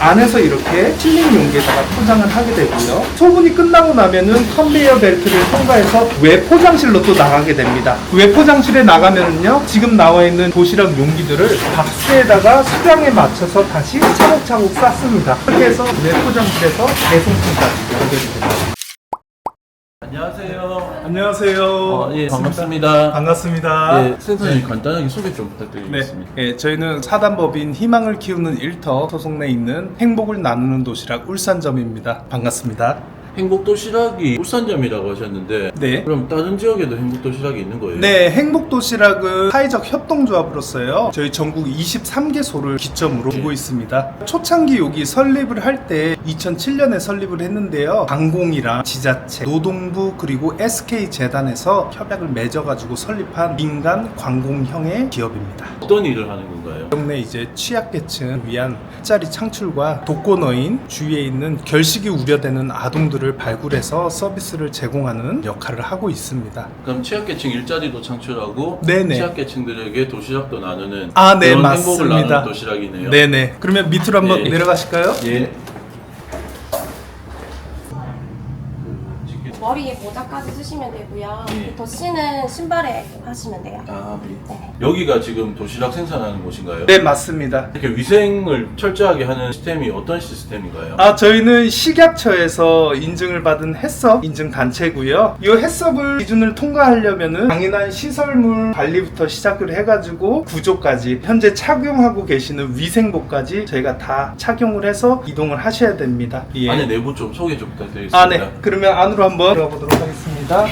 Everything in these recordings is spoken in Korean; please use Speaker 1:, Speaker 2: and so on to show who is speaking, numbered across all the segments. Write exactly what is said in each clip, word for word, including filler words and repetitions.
Speaker 1: 안에서 이렇게 실링 용기에다가 포장을 하게 되고요. 소분이 끝나고 나면은 컨베이어 벨트를 통과해서 외 포장실로 또 나가게 됩니다. 외 포장실에 나가면은요, 지금 나와 있는 도시락 용기들을 박스에다가 수량에 맞춰서 다시 차곡차곡 쌓습니다. 그렇게 해서 외 포장실에서 배송품까지 연결됩니다.
Speaker 2: 안녕하세요.
Speaker 1: 안녕하세요.
Speaker 2: 어, 예, 반갑습니다.
Speaker 1: 반갑습니다.
Speaker 2: 예, 센터님 간단하게 소개 좀 부탁드리겠습니다.
Speaker 1: 네, 예, 저희는 사단법인 희망을 키우는 일터 소속 내에 있는 행복을 나누는 도시락 울산점입니다. 반갑습니다.
Speaker 2: 행복도시락이 울산점이라고 하셨는데,
Speaker 1: 네.
Speaker 2: 그럼 다른 지역에도 행복도시락이 있는 거예요?
Speaker 1: 네, 행복도시락은 사회적 협동조합으로서요, 저희 전국 이십삼 개소를 기점으로 두고
Speaker 2: 네.
Speaker 1: 있습니다. 초창기 여기 설립을 할 때 이천칠 년에 설립을 했는데요, 방공이랑 지자체, 노동부 그리고 에스케이재단에서 협약을 맺어가지고 설립한 민간 관공형의 기업입니다.
Speaker 2: 어떤 일을 하는 건가요?
Speaker 1: 동네 이제 취약계층을 위한 일자리 창출과 독거노인, 주위에 있는 결식이 우려되는 아동들을 발굴해서 서비스를 제공하는 역할을 하고 있습니다.
Speaker 2: 그럼 취약계층 일자리도 창출하고
Speaker 1: 네네.
Speaker 2: 취약계층들에게 도시락도 나누는
Speaker 1: 아, 네,
Speaker 2: 그런
Speaker 1: 맞습니다.
Speaker 2: 행복을 나누는 도시락이네요.
Speaker 1: 네네. 그러면 밑으로 한번
Speaker 2: 네.
Speaker 1: 내려가실까요?
Speaker 2: 예.
Speaker 3: 머리에 모자까지 쓰시면 되고요.
Speaker 2: 예.
Speaker 3: 덧씨는 신발에 하시면 돼요.
Speaker 2: 아, 네.
Speaker 3: 네.
Speaker 2: 여기가 지금 도시락 생산하는 곳인가요?
Speaker 1: 네, 맞습니다.
Speaker 2: 이렇게 위생을 철저하게 하는 시스템이 어떤 시스템인가요?
Speaker 1: 아, 저희는 식약처에서 인증을 받은 햇섭 인증 단체고요. 이 햇섭을 기준을 통과하려면은 강인한 시설물 관리부터 시작을 해가지고 구조까지 현재 착용하고 계시는 위생복까지 저희가 다 착용을 해서 이동을 하셔야 됩니다. 예.
Speaker 2: 안에 내부 좀 소개 좀 부탁드리겠습니다.
Speaker 1: 아, 네. 그러면 안으로 한번 들어가 보도록 하겠습니다.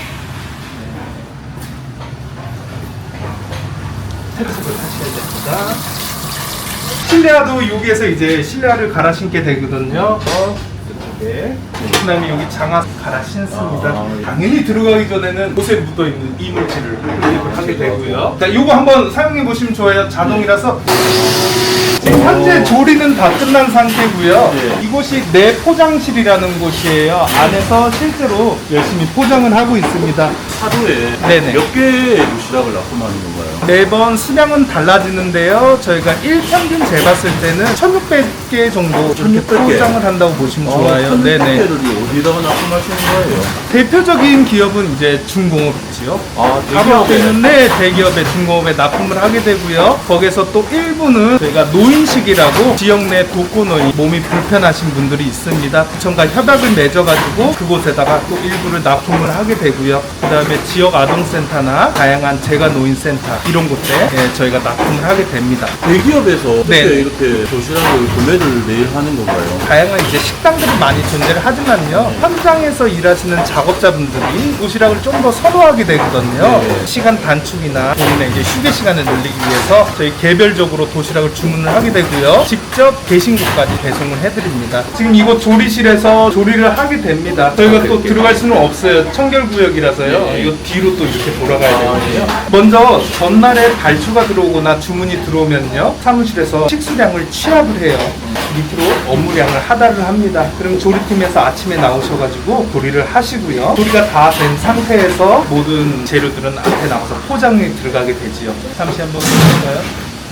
Speaker 1: 탭을 하셔야 됩니다. 실내화도 여기에서 이제 실내화를 갈아 신게 되거든요. 어, 이쪽에. 그 다음에 여기 장화 갈아 신습니다.
Speaker 2: 아, 예.
Speaker 1: 당연히 들어가기 전에는 옷에 묻어있는 이물질을 흡입을 하게 되고요. 자, 요거 한번 사용해 보시면 좋아요. 자동이라서. 지금 현재 조리는 다 끝난 상태고요.
Speaker 2: 네.
Speaker 1: 이곳이 내 포장실이라는 곳이에요. 안에서 실제로 열심히 포장을 하고 있습니다.
Speaker 2: 하루에
Speaker 1: 네네.
Speaker 2: 몇 개의 도시락을 납품하는 건가요?
Speaker 1: 매번 수량은 달라지는데요. 저희가 일평균 재봤을 때는 천육백 개 정도 이렇게
Speaker 2: 천육백 개?
Speaker 1: 포장을 한다고 보시면 좋아요.
Speaker 2: 네네.
Speaker 1: 네네.
Speaker 2: 개를 어디다가 납품하시는 거예요?
Speaker 1: 대표적인 기업은 이제 중공업이지요.
Speaker 2: 아,
Speaker 1: 바로 앞에
Speaker 2: 대기업에.
Speaker 1: 있는 네, 대기업에 중공업에 납품을 하게 되고요. 거기서 또 일부는 저희가 노인식이라고 지역 내 독거노인 몸이 불편하신 분들이 있습니다. 구청과 협약을 맺어가지고 그곳에다가 또 일부를 납품을 하게 되고요. 그 다음에 지역 아동센터나 다양한 재가노인센터 이런 곳에 예, 저희가 납품을 하게 됩니다.
Speaker 2: 대기업에서 어떻게
Speaker 1: 네.
Speaker 2: 이렇게 도시락을 구매를 매일 하는 건가요?
Speaker 1: 다양한 이제 식당들이 많이 존재를 하지만요, 현장에서 일하시는 작업자분들이 도시락을 좀 더 선호하게 되거든요.
Speaker 2: 네.
Speaker 1: 시간 단축이나 본인의 이제 휴게 시간을 늘리기 위해서 저희 개별적으로 도시락을 주문을 하게 되고요. 직접 계신 곳까지 배송을 해드립니다. 지금 이곳 조리실에서 조리를 하게 됩니다. 저희가 또 들어갈 수는 없어요. 청결구역이라서요.
Speaker 2: 네.
Speaker 1: 이거 뒤로 또 이렇게 돌아가야
Speaker 2: 아,
Speaker 1: 되거든요. 먼저 전날에 발주가 들어오거나 주문이 들어오면요, 사무실에서 식수량을 취합을 해요. 밑으로 업무량을 하달을 합니다. 그럼 조리팀에서 아침에 나오셔가지고 조리를 하시고요. 조리가 다 된 상태에서 모든 재료들은 앞에 나와서 포장에 들어가게 되지요. 잠시 한번 보실까요?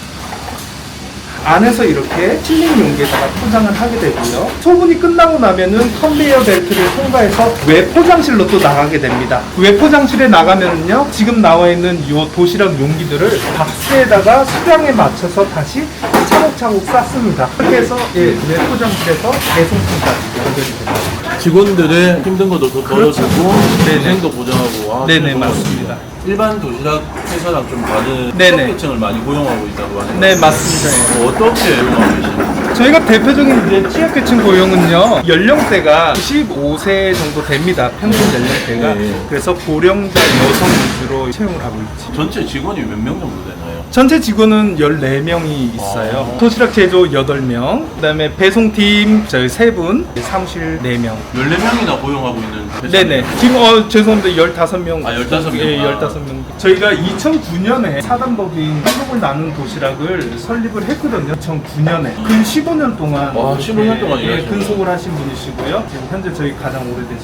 Speaker 1: 안에서 이렇게 실링 용기에다가 포장을 하게 되고요. 소분이 끝나고 나면은 컨베이어 벨트를 통과해서 외 포장실로 또 나가게 됩니다. 외 포장실에 나가면은요, 지금 나와 있는 이 도시락 용기들을 박스에다가 수량에 맞춰서 다시 차곡차곡 쌓습니다. 그렇게 해서 예, 외 포장실에서 배송품까지 연결이 됩니다.
Speaker 2: 직원들의 힘든 것도 더
Speaker 1: 그렇죠.
Speaker 2: 덜어주고
Speaker 1: 네네.
Speaker 2: 위생도 보장하고 와,
Speaker 1: 네네,
Speaker 2: 정말
Speaker 1: 맞습니다.
Speaker 2: 일반 도시락 회사랑 좀 다른
Speaker 1: 네네.
Speaker 2: 취약계층을 많이 고용하고 있다고 하네요.
Speaker 1: 네, 맞습니다.
Speaker 2: 어, 어떻게 고용하고 계시나요?
Speaker 1: 저희가 대표적인 이제 취약계층 고용은요, 연령대가 구십오 세 정도 됩니다. 평균 연령대가.
Speaker 2: 네.
Speaker 1: 그래서 고령자 여성 위주로 채용을 하고 있지.
Speaker 2: 전체 직원이 몇 명 정도 되나요?
Speaker 1: 전체 직원은 열네 명이 있어요.
Speaker 2: 아.
Speaker 1: 도시락 제조 여덟 명, 그 다음에 배송팀 저희 세 분, 사무실 네 명.
Speaker 2: 열네 명이나 고용하고 있는 회사.
Speaker 1: 네네. 지금 어 죄송한데 열다섯 명.
Speaker 2: 아, 열다섯 명.
Speaker 1: 예,
Speaker 2: 아.
Speaker 1: 열다섯 명. 저희가 이천구 년에 사단법인 행복을 나누는 도시락을 설립을 했거든요. 이천구 년에. 근 십오 년 동안.
Speaker 2: 와, 십오 년 동안
Speaker 1: 예,
Speaker 2: 일하신
Speaker 1: 근속을 하신 분이시고요. 지금 현재 저희 가장 오래되신 분.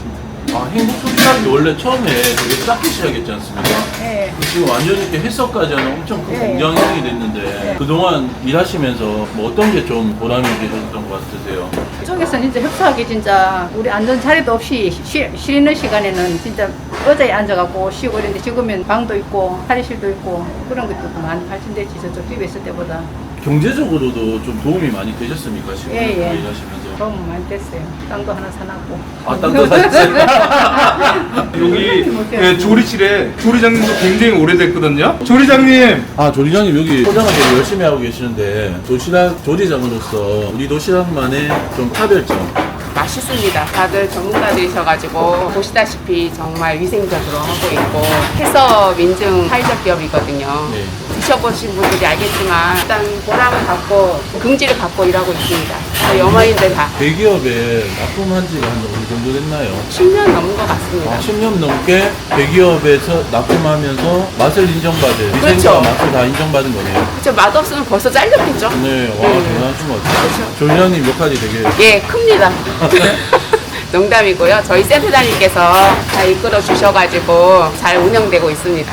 Speaker 2: 아, 행복도시락이 원래 처음에 되게 작게 시작했지 않습니까?
Speaker 4: 네.
Speaker 2: 지금 완전히 이렇게 해석까지 하는 엄청 큰
Speaker 4: 네.
Speaker 2: 공장형이 됐는데
Speaker 4: 네.
Speaker 2: 그동안 일하시면서 뭐 어떤 게 좀 보람이 되셨던 것 같으세요?
Speaker 4: 이쪽에서는 진짜 협소하게 진짜 우리 앉은 자리도 없이 쉬, 쉬는 시간에는 진짜 의자에 앉아갖고 쉬고 이런데 지금은 방도 있고 탈의실도 있고 그런 것도 많이 발전됐지 저쪽 집에 있을 때보다.
Speaker 2: 경제적으로도 좀 도움이 많이 되셨습니까? 지금
Speaker 4: 예, 예.
Speaker 2: 일하시면서?
Speaker 4: 도움 많이 됐어요. 땅도 하나 사놨고.
Speaker 2: 아, 땅도 사셨어요?
Speaker 1: 여기 네, 조리실에 조리장님도 굉장히 오래됐거든요. 조리장님,
Speaker 2: 아, 조리장님 여기 포장을 되게 열심히 하고 계시는데 도시락 조리장으로서 우리 도시락만의 좀 차별점.
Speaker 5: 맛있습니다. 다들 전문가들이셔가지고 보시다시피 정말 위생적으로 하고 있고 해서 민증 사회적 기업이거든요.
Speaker 2: 네.
Speaker 5: 드셔보신 분들이 알겠지만 일단 보람을 갖고 긍지를 갖고 일하고 있습니다. 저희 어머님들 다
Speaker 2: 대기업에 납품한 지가 한 어느 정도 됐나요?
Speaker 5: 십 년 넘은 것 같습니다.
Speaker 2: 아, 십 년 넘게 대기업에서 납품하면서 맛을 인정받은 위생과
Speaker 5: 그렇죠.
Speaker 2: 맛을 다 인정받은 거네요.
Speaker 5: 그쵸, 맛없으면 벌써 잘렸겠죠?
Speaker 2: 네, 와
Speaker 5: 네.
Speaker 2: 대단하신 것 같아요.
Speaker 5: 그렇죠.
Speaker 2: 조리장님 역할이 되게
Speaker 5: 예, 큽니다. 농담이고요. 저희 센터장님께서 다 이끌어 주셔가지고 잘 운영되고 있습니다.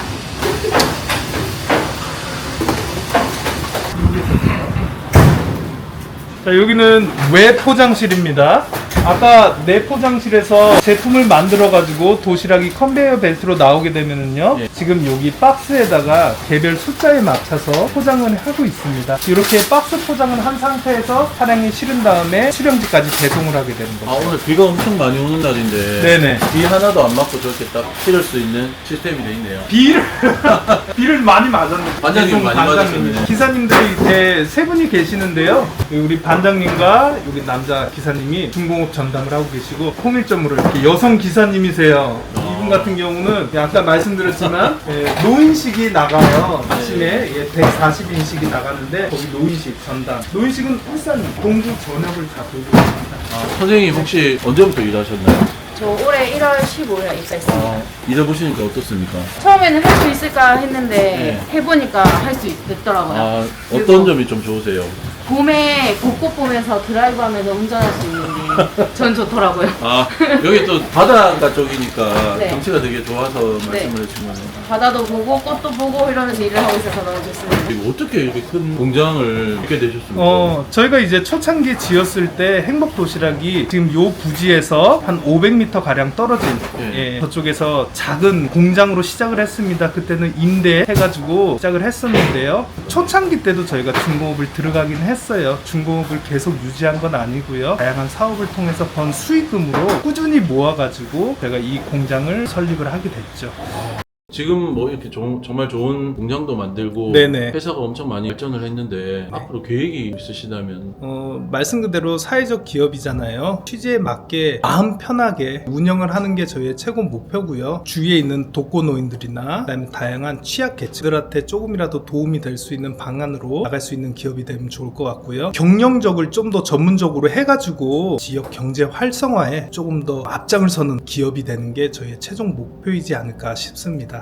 Speaker 1: 자, 여기는 외 포장실입니다. 아까 내 포장실에서 제품을 만들어 가지고 도시락이 컨베이어 벨트로 나오게 되면은요,
Speaker 2: 예.
Speaker 1: 지금 여기 박스에다가 개별 숫자에 맞춰서 포장을 하고 있습니다. 이렇게 박스 포장을 한 상태에서 차량에 실은 다음에 수령지까지 배송을 하게 되는
Speaker 2: 아
Speaker 1: 거죠.
Speaker 2: 오늘 비가 엄청 많이 오는 날인데
Speaker 1: 네네.
Speaker 2: 비 하나도 안 맞고 저렇게 딱 실을 수 있는 시스템이 돼 있네요.
Speaker 1: 비를 비를 많이 맞았는데
Speaker 2: 반장님
Speaker 1: 배송
Speaker 2: 많이
Speaker 1: 반장님이.
Speaker 2: 맞으셨네.
Speaker 1: 기사님들이 이제 세 분이 계시는데요. 우리 반장님과 여기 남자 기사님이 중공업 전담을 하고 계시고 통일점으로 이렇게 여성 기사님이세요. 이분 같은 경우는 아까 말씀드렸지만 예, 노인식이 나가요. 아침에 예, 백사십 인식이 나가는데 거기 노인식 전담. 노인식은 일산 동부 전역을 다 돌고 있습니다.
Speaker 2: 아, 선생님 혹시 언제부터 일하셨나요?
Speaker 6: 저 올해 일월 십오일에 입사했습니다.
Speaker 2: 아, 일해보시니까 어떻습니까?
Speaker 6: 처음에는 할 수 있을까 했는데
Speaker 2: 네.
Speaker 6: 해보니까 할 수 있더라고요.
Speaker 2: 아, 어떤
Speaker 6: 그리고
Speaker 2: 점이 좀 좋으세요?
Speaker 6: 봄에 벚꽃 보면서 드라이브하면서 운전할 수 있는 게 전 좋더라고요.
Speaker 2: 아, 여기 또 바닷가 쪽이니까
Speaker 6: 네.
Speaker 2: 경치가 되게 좋아서 말씀을
Speaker 6: 네.
Speaker 2: 해주시면
Speaker 6: 바다도 보고 꽃도 보고 이러면서 일을 하고 있어서 너무 좋습니다.
Speaker 2: 그리고 어떻게 이렇게 큰 공장을 갖게 되셨습니까?
Speaker 1: 어, 저희가 이제 초창기 지었을 때 행복 도시락이 지금 요 부지에서 한 오백 미터 가량 떨어진
Speaker 2: 네.
Speaker 1: 예, 저쪽에서 작은 공장으로 시작을 했습니다. 그때는 임대해가지고 시작을 했었는데요. 초창기 때도 저희가 중공업을 들어가긴 했어요. 중공업을 계속 유지한 건 아니고요. 다양한 사업을 통해서 번 수익금으로 꾸준히 모아가지고 제가 이 공장을 설립을 하게 됐죠.
Speaker 2: 지금 뭐 이렇게 조- 정말 좋은 공장도 만들고
Speaker 1: 네네.
Speaker 2: 회사가 엄청 많이 발전을 했는데 앞으로 계획이 있으시다면
Speaker 1: 어, 말씀 그대로 사회적 기업이잖아요. 취지에 맞게 마음 편하게 운영을 하는 게 저희의 최고 목표고요. 주위에 있는 독거노인들이나 그다음에 다양한 취약계층들한테 조금이라도 도움이 될 수 있는 방안으로 나갈 수 있는 기업이 되면 좋을 것 같고요. 경영적을 좀 더 전문적으로 해가지고 지역 경제 활성화에 조금 더 앞장을 서는 기업이 되는 게 저희의 최종 목표이지 않을까 싶습니다.